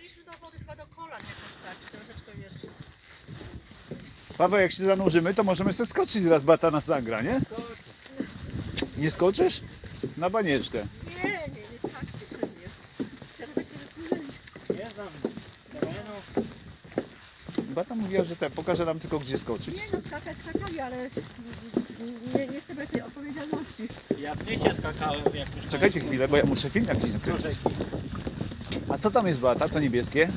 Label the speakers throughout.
Speaker 1: mieliśmy do wody chyba do kolan jakoś tak, troszeczkę wiesz.
Speaker 2: Paweł, jak się zanurzymy, to możemy sobie skoczyć raz, Beata nas nagra, nie? Nie skoczysz? Na banieczkę.
Speaker 1: Nie skakcie pewnie. Żeby się wypłynęli.
Speaker 3: Nie znam terenu.
Speaker 2: Beata mówiła, że pokaże nam tylko gdzie skoczyć.
Speaker 1: Nie no, skakali, ale nie chcę brać tej odpowiedzialności.
Speaker 3: Ja w Nysie skakałem jak już.
Speaker 2: Czekajcie chwilę, bo ja muszę film jakiś
Speaker 3: do
Speaker 2: nakryć.
Speaker 3: rzeki.
Speaker 2: A co tam jest, Beata? To niebieskie?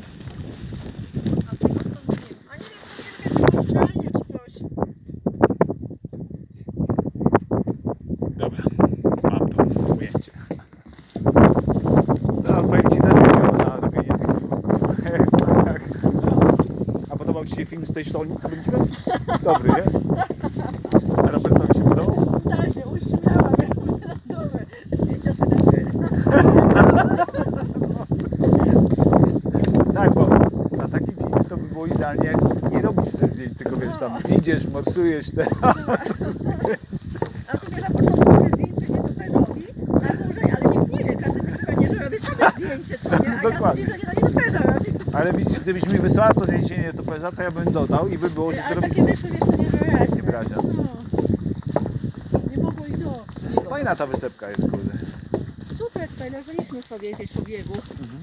Speaker 1: A tego to nie wiem. A nie wiem, to nie wiem, czy coś.
Speaker 2: Dobra, mam to ujęcie. No, powiem Ci też chodziło na robienie tych filmów. Tak. A podobał Ci się film z tej sztolni, co byliśmy? Dobry, nie? A Robertowi się podobał?
Speaker 1: Tak się uśmiałam. Dobre. Zdjęcia sobie
Speaker 2: Tak, bo na takim filmie to by było idealnie, jak nie robisz sobie zdjęć, tylko wiesz, tam idziesz, morsujesz te.
Speaker 1: A tu wiesz, na początku robię zdjęcie nietoperzowi na dłużej, ale nikt nie wie, każdy myśli pewnie, że robię sobie zdjęcie, co nie? A
Speaker 2: Dokładnie.
Speaker 1: ja sobie, że nie na nietoperza robię.
Speaker 2: Ale widzisz, gdybyś mi wysłała to zdjęcie nietoperza, to ja bym dodał i by było, że to
Speaker 1: Ale
Speaker 2: robi
Speaker 1: takie wyszły, wiesz co, nie wyraźne.
Speaker 2: niewraźne.
Speaker 1: No. Nie mogło i do.
Speaker 2: Fajna ta wysepka jest, kurde.
Speaker 1: Super, tutaj leżeliśmy sobie gdzieś po biegu.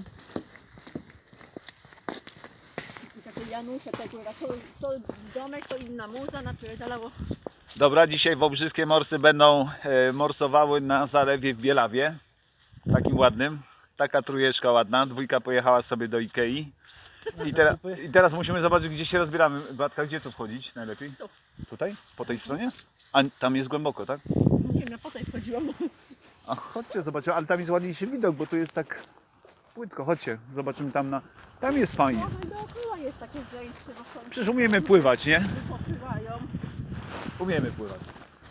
Speaker 1: I takie Janusze, to domek, to inna muza, napierdalało.
Speaker 2: Dobra, dzisiaj wobrzyskie morsy będą morsowały na zalewie w Bielawie. Takim ładnym. Taka trójeczka ładna. Dwójka pojechała sobie do Ikei. I teraz musimy zobaczyć, gdzie się rozbieramy. Beatka, gdzie tu wchodzić najlepiej?
Speaker 1: Tu.
Speaker 2: Tutaj? Po tej stronie? A tam jest głęboko, tak?
Speaker 1: Nie wiem, ja potem wchodziłam.
Speaker 2: A chodźcie, zobaczymy. Ale tam jest ładniejszy widok, bo tu jest tak płytko. Chodźcie, zobaczymy tam na... Tam jest fajnie.
Speaker 1: Może dookoła jest takie zajęcie, bo są
Speaker 2: Przecież umiemy pływać, nie?
Speaker 1: popływają.
Speaker 2: Umiemy pływać.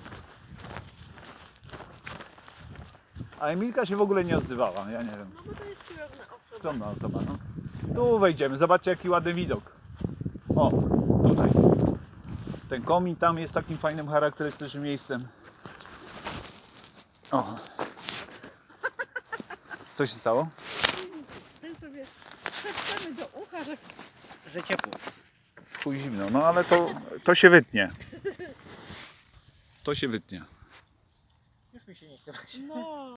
Speaker 2: A Emilka się w ogóle nie odzywała, ja nie wiem.
Speaker 1: No bo to jest kierowna osoba.
Speaker 2: Skromna osoba, no. Tu wejdziemy, zobaczcie jaki ładny widok. O, tutaj. Ten komin tam jest takim fajnym, charakterystycznym miejscem. O. Co się stało?
Speaker 1: Ten sobie szepczemy do ucha, że
Speaker 3: Że ciepło.
Speaker 2: Chuj zimno, no ale to się wytnie. To się wytnie.
Speaker 3: Już mi się nie chce.
Speaker 1: no.